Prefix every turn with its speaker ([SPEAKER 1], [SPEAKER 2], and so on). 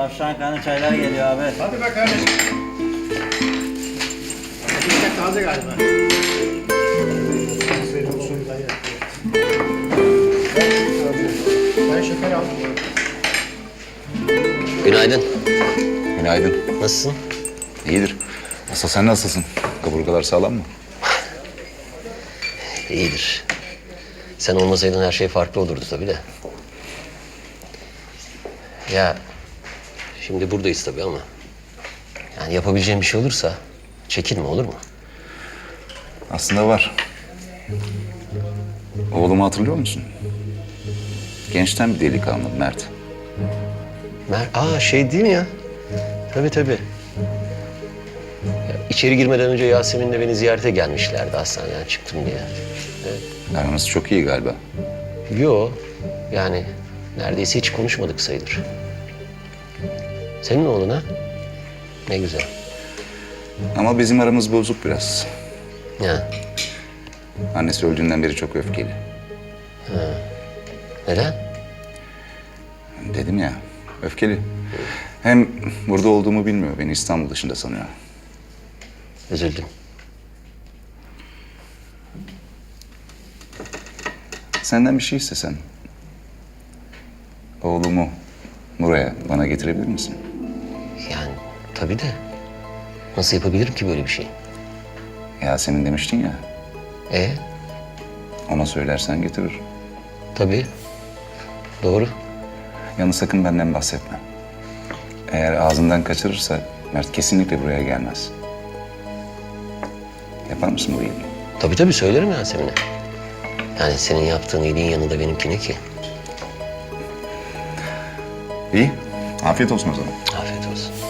[SPEAKER 1] Tavşan kanı çaylar geliyor abi.
[SPEAKER 2] Hadi be kardeşim. Ekmek taze galiba. Afiyet olsun dayı. Ben şeker aldım.
[SPEAKER 3] Günaydın.
[SPEAKER 4] Günaydın.
[SPEAKER 3] Nasılsın?
[SPEAKER 4] İyidir. Asıl sen nasılsın? Kaburgalar sağlam mı?
[SPEAKER 3] İyidir. Sen olmasaydın her şey farklı olurdu tabii de. Ya şimdi buradayız tabii ama yani yapabileceğim bir şey olursa çekinme, olur mu?
[SPEAKER 4] Aslında var. Oğlumu hatırlıyor musun? Gençten bir delikanlı Mert.
[SPEAKER 3] Şey değil mi ya? Tabii tabii. Ya, içeri girmeden önce Yasemin'le beni ziyarete gelmişlerdi hastaneden çıktım diye.
[SPEAKER 4] Aranız çok iyi galiba.
[SPEAKER 3] Yo, yani neredeyse hiç konuşmadık sayılır. Senin oğlun ha? Ne güzel.
[SPEAKER 4] Ama bizim aramız bozuk biraz.
[SPEAKER 3] Ya,
[SPEAKER 4] Annesi öldüğünden beri çok öfkeli.
[SPEAKER 3] neden?
[SPEAKER 4] Dedim ya, öfkeli. Hem burada olduğumu bilmiyor. Beni İstanbul dışında sanıyor.
[SPEAKER 3] Üzüldüm.
[SPEAKER 4] Senden bir şey istesem. Oğlumu buraya bana getirebilir misin?
[SPEAKER 3] Yani tabii de nasıl yapabilirim ki böyle bir şey?
[SPEAKER 4] Yasemin demiştin ya. Ona söylersen getirir.
[SPEAKER 3] Tabii. Doğru.
[SPEAKER 4] Yalnız sakın benden bahsetme. Eğer ağzından kaçırırsa Mert kesinlikle buraya gelmez. Yapar mısın bu iyiliği?
[SPEAKER 3] Tabii söylerim Yasemin'e. Yani senin yaptığın iyiliğin yanında benimki ne ki?
[SPEAKER 4] İyi. Afiyet olsun o zaman.
[SPEAKER 3] Afiyet olsun.